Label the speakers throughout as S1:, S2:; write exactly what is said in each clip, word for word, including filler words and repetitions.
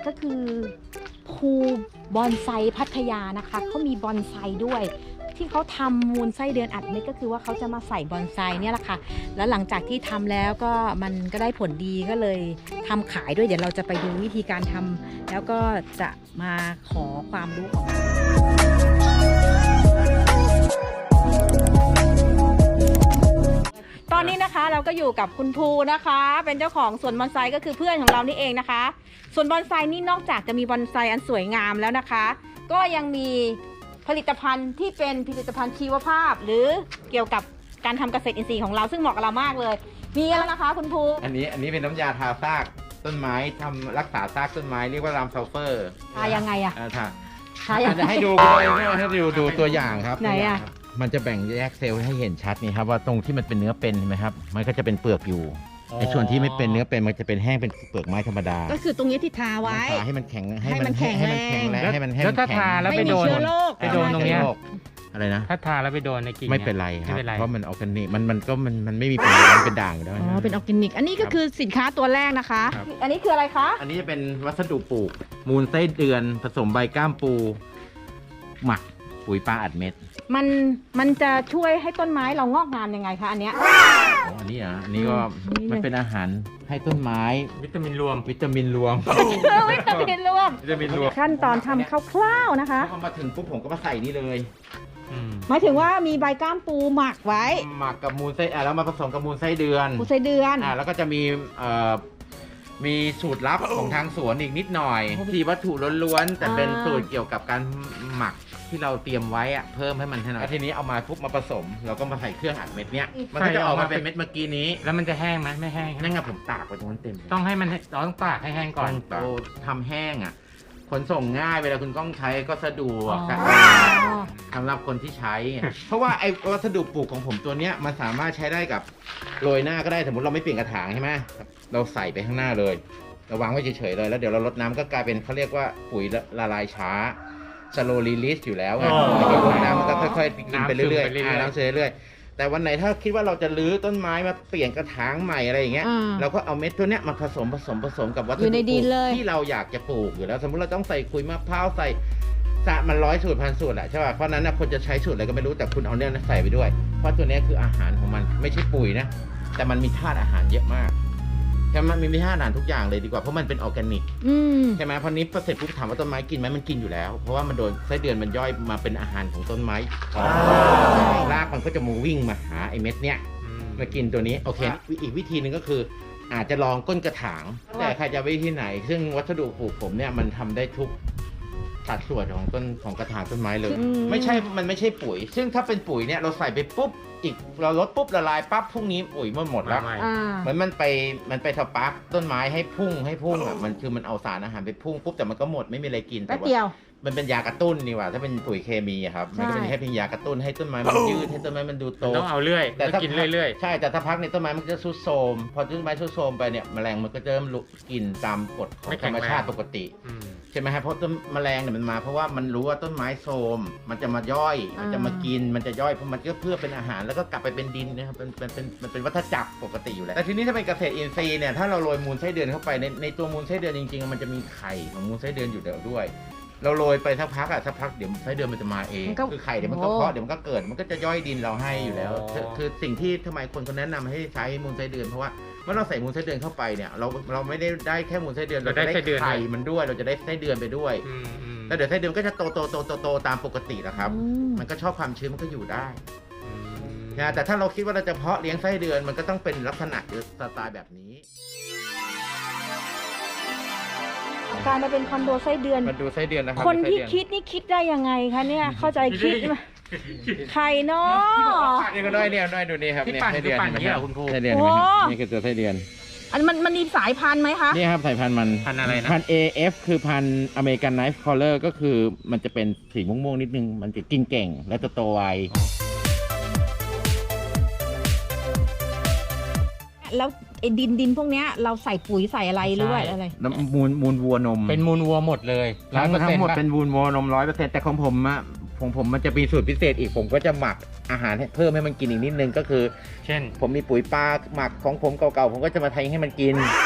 S1: ก็คือภูบอนไซพัทยานะคะเขามีบอนไซด้วยที่เขาทำมูลไส้เดือนอัดเม็ดก็คือว่าเขาจะมาใส่บอนไซเนี่ยแหละค่ะแล้วหลังจากที่ทำแล้วก็มันก็ได้ผลดีก็เลยทำขายด้วยเดี๋ยวเราจะไปดูวิธีการทำแล้วก็จะมาขอความรู้ของตอนนี้นะคะเราก็อยู่กับคุณภูนะคะเป็นเจ้าของสวนบอนไซก็คือเพื่อนของเรานี่เองนะคะสวนบอนไซนี่นอกจากจะมีบอนไซอันสวยงามแล้วนะคะก็ยังมีผลิตภัณฑ์ที่เป็นผลิตภัณฑ์ชีวภาพหรือเกี่ยวกับการทำเกษตรอินทรีย์ของเราซึ่งเหมาะกับเรามากเลยมีแล้วนะคะคุณภู
S2: อันนี้อันนี้เป็นน้ำยาทาซากต้นไม้ทำรักษาซากต้นไม้เรียกว่ารามซัลเฟอร์
S1: ทายังไงอะ
S2: อ่าทา
S1: ทายังไง
S2: จะให้ดูให้ดูดูตัวอย่างครับ
S1: ไหนอะ
S2: มันจะแบ่งแยกเซลล์ให้เห็นชัดนี่ครับว่าตรงที่มันเป็นเนื้อเป็นเห็นไหมครับมันก็จะเป็นเปลือกอยู่ไอ้ส่วนที่ไม่เป็นเนื้อเป็นมันจะเป็นแห้งเป็นเปลือกไม้ธรรมดา
S1: ก็คือตรงนี้ที่ทาไว้
S2: ทาให้มันแข็ง
S1: ให้มันแข็ง
S2: ให้มันแข็ง
S1: แรง
S2: แรงให้มันให้
S3: แล้
S2: มั
S3: วน ถ้า
S2: แข็ง
S3: ทาแล้ว
S1: ไม่
S3: ไป
S1: มี
S3: โดน
S1: เชื้อโรค
S3: ไปโดนตรงเนี้ย
S2: อะไรนะ
S3: ถ้าทาแล้วไปโดนในกิ่ง
S2: ไม่เป็นไรค
S3: ไม่
S2: รับ
S3: เป็นไร
S2: เพราะมันออร์แกนิกมันมันก็มันมันไม่มีเป็นมันเป็นด่างอยู่แล้ว
S1: อ๋อเป็นออร์แกนิกอันนี้ก็คือสินค้าตัวแรกนะคะ
S2: ครับ
S1: อันนี้คืออะไรคะ
S2: อันนี้จะเป็นวัสดุปลูก มูลไส้เดือนผสมใบก้ามปู หมักปุ๋ยปลาอัดเม็ด
S1: มันมันจะช่วยให้ต้นไม้เรางอกงามยังไงคะอันเนี้ย
S2: อ๋ออันนี้อ่ะอันนี้ก็
S1: อืม
S2: มันเป็นอาหารให้ต้นไม้
S3: วิตามินรวม
S2: วิตามินรวม
S1: วิตามินรวม
S2: วิตามินรวม
S1: ขั้นตอนทำคร่าวๆนะคะ
S2: พอมาถึงปุ๊บผมก็มาใส่นี่เลย
S3: อืม
S1: หมายถึงว่ามีใบก้ามปูหมักไว้
S2: หมักกับมูลไส้อ่ะแล้วมาผสมกับมูลไส้เดือน
S1: ปูไส้เดือน
S2: อ่ะแล้วก็จะมีเอ่อมีสูตรลับของทางสวนอีกนิดหน่อย
S1: โอ้โห
S2: ที่วัตถุล้วนๆแต่เป็น
S1: อ่า
S2: สูตรเกี่ยวกับการหมักที่เราเตรียมไว้อะเพิ่มให้มันให้หน่อยแล้วทีนี้เอามาปุ๊บมาผสมเราก็มาใส่เครื่องอัดเม็ดเนี้ยมันก็จะออกมาเป็นเม็ดเมื่อกี้นี้
S3: แล้วมันจะแห้งไหมไม่แห้ง
S2: นั่นไงผมตากไว้ตรงนั้นเต็มเลย
S3: ต้องให้มันเราต้องตากให้แห้งก่อน
S2: เราทำแห้งอ่ะขนส่งง่ายเวลาคุณต้องใช้ก็สะดวก
S1: อ๋อ
S2: สำหรับคนที่ใช้ เพราะว่าไอ้วัสดุปลูกของผมตัวเนี้ยมันสามารถใช้ได้กับโรยหน้าก็ได้สมมติเราไม่เปลี่ยนกระถางใช่ไหมเราใส่ไปข้างหน้าเลยเราวางไว้เฉยๆเลยแล้วเดี๋ยวเราลดน้ำก็กลายเป็นเขาเรียกว่าปุ๋ยละลายช้า slow release อยู่แล้วไง
S3: อ๋อ
S2: แล้วก็ลดน้ำมันก็ค่อยๆกินไปเรื่อย
S3: น้ำซึมไปเรื่อยๆ
S2: ๆอ่าน้ำซึมไปเรื่อยๆแต่วันไหนถ้าคิดว่าเราจะรื้อต้นไม้มาเปลี่ยนกระถางใหม่อะไรอย่างเงี้ย
S1: อ่า
S2: เราก็เอาเม็ดตัวเนี้ยมาผสมผสมผสมกับวัส
S1: อยู่
S2: ดุ
S1: ใน
S2: ป
S1: ดิ
S2: ลู
S1: น
S2: ก
S1: เลย
S2: ที่เราอยากจะปลูกอยู่แล้ว สมมติเราต้องใส่ขุยมะพร้าวใส่สะมันร้อยสูตรพันสูตรแหละใช่ป่ะเพราะฉะนั้นนะคนจะใช้สูตรอะไรก็ไม่รู้แต่คุณเอาเนี่ยใส่ไปด้วย เพราะตัวเนี้ยคืออาหารของมันไม่ใช่ปุ๋ยนะแต่มันมีธาตุอาหารเยอะมากใช่ไหมมันมีธาตุอาหารทุกอย่างเลยดีกว่าเพราะมันเป็นออร์แกนิก
S1: อืม
S2: ใช่ไหมพอนี้พอเสร็จปุ๊บถามว่าต้นไม้กินไหมมันกินอยู่แล้ว เพราะว่ามันโดนไส้เดือนมันย่อยมาเป็นอาหารของต้นไม้รากมันก็จะมาวิ่งมาหาไอ้เม็ดเนี้ย
S3: อืม
S2: มากินตัวนี้โอเคอีกวิธีหนึ่งก็คือ อาจจะลองก้นกระถาง แต่ใครจะวิธีไหน ซึ่งวัสดุปลูกผมเนี่ยมันทำได้ทุกสัดส่วนของต้นของกระถางต้นไม้เลย
S1: อืม
S2: ไม่ใช่มันไม่ใช่ปุ๋ย ซึ่งถ้าเป็นปุ๋ยเนี่ยเราใส่ไปปุ๊บอีกเราลดปุ๊บละลายปั๊บพรุ่งนี้ปุ๋ยมันหมดแล้ว
S3: มาใหม่
S1: อ่า
S2: เหมือนมันไปมันไปสปาร์กต้นไม้ให้พุ่งให้พุ่งอ่ะมันคือมันเอาสารอาหารไปพุ่งปุ๊บแต่มันก็หมดไม่มีอะไรกิน
S1: แป๊
S2: แต่
S1: บ
S2: ว่า
S1: เดียว
S2: มันเป็นยากระตุ้นนี่หว่าถ้าเป็นปุ๋ยเคมีอะครับมันก็เป็น
S1: ใช่
S2: แค่เพียงยากระตุ้นให้ต้นไม้มันยืดให้ต้นไม้มันดูโต
S3: ต้องเอาเรื่อย
S2: แต่
S3: ต้อง
S2: ถ้า
S3: กินเรื่อย
S2: ใช่แต่ถ้าพักในยต้นไม้มันจะทรุดโทรมพอต้นไม้ทรุดโทรมไปเนี่ยแมลงมันก็จะเริ่มลุกกินตามกฎของธรรมชาติปกติ
S3: ๆอืม
S2: ใช่ไหมฮะเพราะต้นแมลงเนี่ยมันมาเพราะว่ามันรู้ว่าต้นไม้โทรมมันจะมาย่อยมันจะมากินมันจะย่อยเพราะมันก็เพื่อเป็นอาหารแล้วก็กลับไปเป็นดินนะครับเป็นเป็นเป็นมันเป็นวัฏจักรปกติอยู่แล้วแต่ทีนี้ถ้าเป็นเกษตรอินทรีย์เนี่ยถ้าเราโรยมูลไส้เดือนเข้าไปในในตัวมูลไส้เดือนจริงๆมันจะมีไข่ของมูลไส้เดือนอยู่เดี๋ยวด้วย เราโรยไปสักพักอะสักพักเดี๋ยวไส้เดือนมันจะมาเอง
S1: มันก็
S2: คือไข่เดี๋ยวมันก็
S1: โอ้
S2: เพาะเดี๋ยวมันก็เกิดมันก็จะย่อยดินเราให้อยู่แล้ว
S3: อ๋อ
S2: คือคือสิ่งที่ทำไมคนเขาแนะนำให้ใช้มูลไส้เดือนเพราะว่าเมื่อเราใส่มูลไส้เดือนเข้าไปเนี่ยเราเราไม่ได้ได้แค่มูลไส้เดือนเราจะได้ไข่มันด้วยเราจะได้ไส้เดือนไปด้วย
S3: อืมอืม
S2: แล้วเดี๋ยวไส้เดือนก็จะโตโตโตโตโตตามปกตินะครับ
S1: อืม
S2: มันก็ชอบความชื้นมันก็อยู่ได้
S3: อืม
S2: นะแต่ถ้าเราคิดว่าเราจะเพาะเลี้ยงไส้เดือนมันก็ต้องเป็นลักษณะหรือสไตล์แบบนี้
S1: การมาเป็นคอนโดไส้เดือน
S2: มาดูไส้เดือนนะครับ
S1: คนที่
S2: ไส้เดือ
S1: คิดนี่คิดได้ยังไงคะเนี่ย เข้าใจคิดไหมใครเนาะ
S2: นี่ก็น้อยเนี่ยน้อยดูนี่ครับ
S3: ที่
S2: เนี่ย
S3: ปั่น
S2: ไส้
S3: คื
S2: เดื
S3: อ
S2: อน
S3: ปั่นอย่างนี้เหรอคุณครู
S2: ไส้เดือน
S1: โอ้
S2: เห็นไหมนี่คือตัวไส้เดือน
S1: อันมันมันมีสายพันธุ์ไหมคะ
S2: นี่ครับสายพันธุ์มัน
S3: พันธุ์อะไรนะ
S2: พันธุ์ เอ เอฟ คือพันธุ์อเมริกันไนฟ์คอลเลอร์ก็คือมันจะเป็นสีม่วงๆนิดนึงมันจะกินเก่งและจะโตไว
S1: แล้วไอ้ดินดินพวกเนี้ยเราใส่ปุ๋ยใส่อะไรหรือว่าอะไร
S2: น้ำมูลมูลวัวนม
S3: เป็นมูลวัวหมดเลย
S2: ทั้ง
S3: ร้อยเปอร์
S2: ทั้
S3: เซ็น
S2: ง
S3: ต์
S2: หมด
S3: ป่ะ
S2: เป็นมูลวัวนมร้อยเปอร์เซ็นต์แต่ของผมอะของผมมันจะมีสูตรพิเศษอีกผมก็จะหมักอาหารให้เพิ่มให้มันกินอีกนิดนึงก็คือ
S3: เช่น
S2: ผมมีปุ๋ยปลาหมักของผมเก่าๆผมก็จะมาไทยให้มันกิน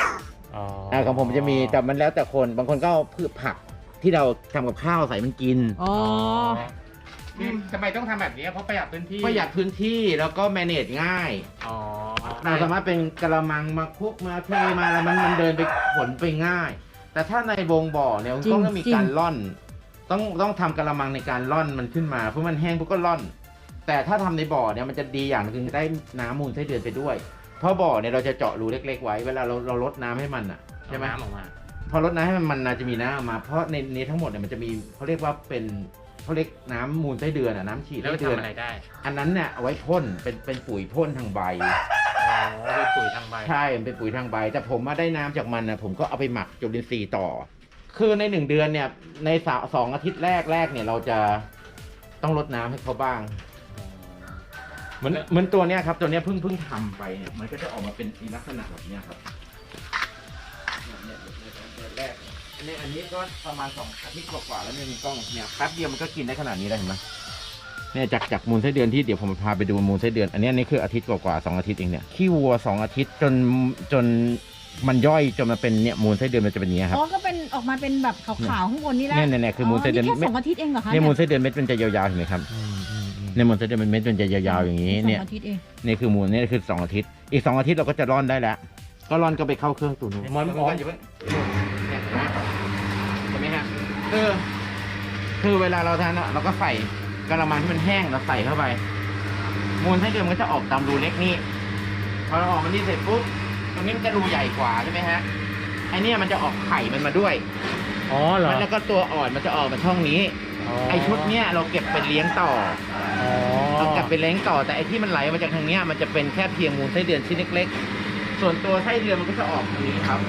S3: อ๋อ
S2: อ่าของผมจะมีแต่มันแล้วแต่คนบางคนก็เอาพืชผักที่เราทำกับข้าวใส่มันกิน
S1: อ๋อ
S3: นี่ทำไมต้องทำแบบนี้เพราะประหยัดพื้นที่
S2: ประหยัดพื้นที่แล้วก็ manage ง่าย
S3: อ๋อ
S2: เราสามารถเป็นกระมังมาคลุกมาเทมาอะไรมันมันเดินไปขนไปง่าย แต่ถ้าในวงบ่อเนี่ย
S1: จริง
S2: ต้องมี
S1: จริง
S2: การล่อน ต้องต้องทำกระมังในการล่อนมันขึ้นมาเพราะมันแห้งปุ๊บก็ล่อน แต่ถ้าทำในบ่อเนี่ยมันจะดีอย่างหนึงคือได้น้ำมูลไส้เดือนไปด้วย เพราะบ่อเนี่ยเราจะเจาะรูเล็กๆไว้เวลาเราเราลดน้ำให้มันอ่ะใช่ไหม
S3: น้ำออกมา
S2: พอลดน้ำให้มันมันจะมีน้ำออกมา เพราะในนี้ทั้งหมดเนี่ยมันจะมีเขาเรียกว่าเป็นเขาเรียกน้ำมูลไส้เดือนอ่ะน้ำฉีด
S3: แล้ว
S2: ไส้
S3: ไป
S2: เดือน
S3: ทำอะไรได้
S2: อันนั้นเนี่ยเอาไว้พ่นเป็นเป็นปุ๋ยพ่นทางใบ
S3: อ๋อเป็นปุ๋ยทางใบ
S2: ใช่มันเป็นปุ๋ยทางใบ แต่ผมมาได้น้ำจากมันนะผมก็เอาไปหมักจุลินทรีย์ต่อ คือในหนึ่งเดือนเนี่ยในสาสองอาทิตย์แรกแรกเนี่ยเราจะต้องลดน้ำให้เขาบ้างเหมือนเหมือนตัวเนี้ยครับตัวเนี้ยเพิ่งเพิ่งทำไปเนี่ยมันก็จะออกมาเป็นลักษณะแบบเนี้ยครับเนี่ยเนี่ยเนี่ยเนี่ยแรกเนี่ยอันนี้ก็ประมาณสองอาทิตย์กว่าๆแล้วเนี่ยมีกล้องเนี่ยแป๊บเดียวมันก็กินได้ขนาดนี้แล้วเห็นไหมเนี่ยจากจากมูลไส้เดือนที่เดี๋ยวผมพาไปดูมูลไส้เดือนอันนี้อันนี้คืออาทิตย์กว่าๆสองอาทิตย์เองเนี่ยขี้วัวสองอาทิตย์จนจนมันย่อยจนมาเป็นเนี่ยมูลไส้เดือนมันจะเป็นอย่างเงี้ยครับ
S1: อ๋อ ก็เป็นออกมาเป็นแบบขาวๆข้างบนนี่แหละ
S2: เนี่ยเนี่ยเนี่ยคือมูลไส้เดือน
S1: แค่
S2: เม็
S1: ส
S2: ด
S1: องอาทิตย์เองเหรอคะ
S2: เนี่ยมูลไส้เดือนเม็ดมันจะยาวๆเห็นไหมครับ
S3: อืมอืมอืม
S2: เนี่ยมูลไส้เดือนมันเม็ดมันจะยาวๆอย่างนี้
S1: ส
S2: เนี่
S1: อย งอาทิตย์เอง
S2: นี่คือมูลนี่คือสองอาทิตย์อีกสองอาทิตย์เราก็จะร่อนได้แล้วก็ร่อนก็ไปเข้าเครื่องตุ๋น
S3: มอนมอน
S2: อยู่เพิ่งเนี่ยเห็นไหมเห็นไหมฮะคือคือเวลาเราทานอะเราก็ใส่กระมังที่มันแห้งเราใส่เข้าไป มูลไส้เดือนมันก็จะออกตามรูเล็กนี่พอเราออกมันนี่เสร็จปุ๊บตรงนี้มันจะรูใหญ่กว่าใช่ไหมฮะไอเนี่ยมันจะออกไข่มันมาด้วย
S3: อ๋อเหรอ
S2: แล้วก็ตัวอ่อนมันจะออกมาช่องนี้ ไอชุดเนี้ยเราเก็บไปเลี้ยงต่อ
S3: อ๋อ
S2: เราเก็บไปเลี้ยงต่อแต่ไอที่มันไหลมาจากทางเนี้ยมันจะเป็นแค่เพียงมูลไส้เดือนชิ้นเล็กๆส่วนตัวไส้เดือนมันก็จะออกตรงนี้ครับ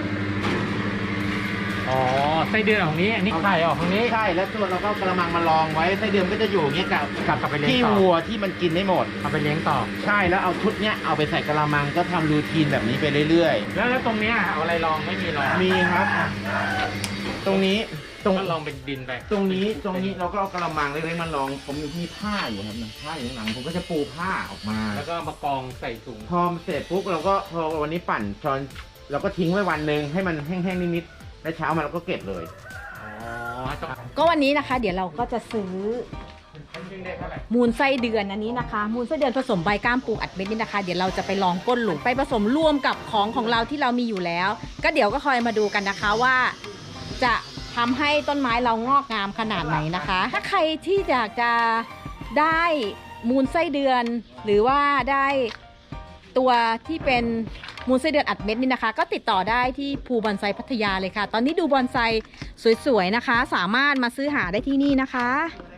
S3: อ๋อไส้เดือนของนี้ อันนี้ไข่ออกตรงนี้
S2: ใช่แล้วตัวเราก็กระมังมารองไว้ไส้เดือนก็จะอยู่อย่างเงี้ยกับ
S3: กลับกลับไปเลี้ยง
S2: ที่
S3: ต่อ
S2: วัวที่มันกินได้หมด
S3: เอาไปเลี้ยงต่อ
S2: ใช่แล้วเอาชุดเนี้ยเอาไปใส่กระมังก็ทำรูทีนแบบนี้ไปเรื่อย
S3: แล้วแล้วตรงเนี้ยเอาอะไรรองไม่มีรอง
S2: ๆ มีครับ ตรงนี้ตรง
S3: ก็ลองเป็นดินไป
S2: ตรงนี้ตรงนี้เราก็เอากระมังเล็กๆมารองผมมีผ้าอยู่ครับผ้าอยู่ข้างหลังผมก็จะปูผ้าออกมา
S3: แล้วก็มากองใส่ถุง
S2: พอเสร็จปุ๊บเราก็พอวันนี้ปั่นตอนเราก็ทิ้งไว้วันหนึ่งให้มันแห้งๆนิดๆแล้วเช้ามาเราก็เก็บเลย
S3: อ๋อต้อง
S1: ก็วันนี้นะคะ เดี๋ยวเราก็จะซื้อ
S3: ซึ่งได้เท่าไหร่
S1: มูลไส้เดือนอันนี้นะคะ มูลไส้เดือนผสมใบกล้ามปูอัดเม็ดนี่นะคะ เดี๋ยวเราจะไปลองก้นหลุมไปผสมร่วมกับของของเราที่เรามีอยู่แล้ว ก็เดี๋ยวก็คอยมาดูกันนะคะว่า จะทำให้ต้นไม้เรางอกงามขนาดไหนนะคะ ถ้าใครที่อยากจะได้มูลไส้เดือน หรือว่าได้ตัวที่เป็นมูลไส้เดือนอัดเม็ดนี่นะคะ ก็ติดต่อได้ที่ภูบอนไซพัทยาเลยค่ะ ตอนนี้ดูบอนไซสวยๆนะคะ สามารถมาซื้อหาได้ที่นี่นะคะ